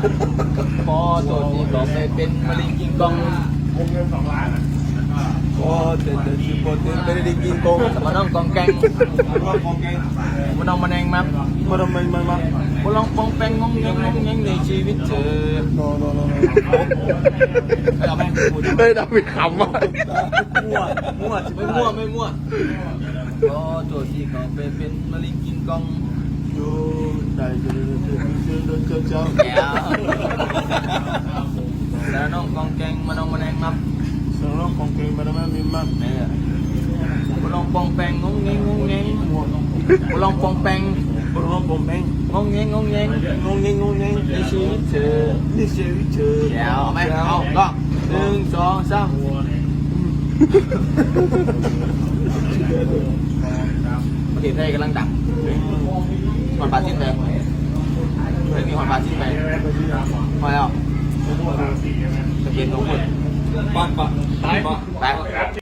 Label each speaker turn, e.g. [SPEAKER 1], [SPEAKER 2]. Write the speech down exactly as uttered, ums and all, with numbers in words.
[SPEAKER 1] พอโจทย์ที่ก็ไปเป็นมะเร็งกินกองวงเงินสองล้านพอเด็ดเด็ดพอเด็ดไม่ได้กินกองมาน้องกองแกงมาน้องมาแดงมั้งมาน้องมันมันมั้งมาลองปองแปงงงเงงงงเงงในชีวิตเธอโนโนโนไม่เอาแม่ง
[SPEAKER 2] เฮ้ยดาวิดขำว่ะ
[SPEAKER 1] มั่วมั่วไม่มั่วไม่มั่วพอโจทย์ที่ก็ไปเป็นมะเร็งกินกองอยู่ได้เจอเจอเจอเจอเจอเจอแล้วน้องกองแกงมาน้องมาแดงมั้งน้องกองแกงมาน้องมามีมั้งเนี่ยมาลองปองแปงงงเงงงงเงงมาลองปองแปงมาลองปองแปงงงเงงงงเงงงงเงงงงเงงในชีวิตเธอในชีวิตเธอเอาไหมเอาก็หนึ่งสองสามเมื่อกี้เพลงกำลังดังหอนปลาจิ้นไปไม่มีหอนปลาจิ้นไปพอแล้วจะเย็นลงหมด
[SPEAKER 3] ปักปักตาย
[SPEAKER 1] ไป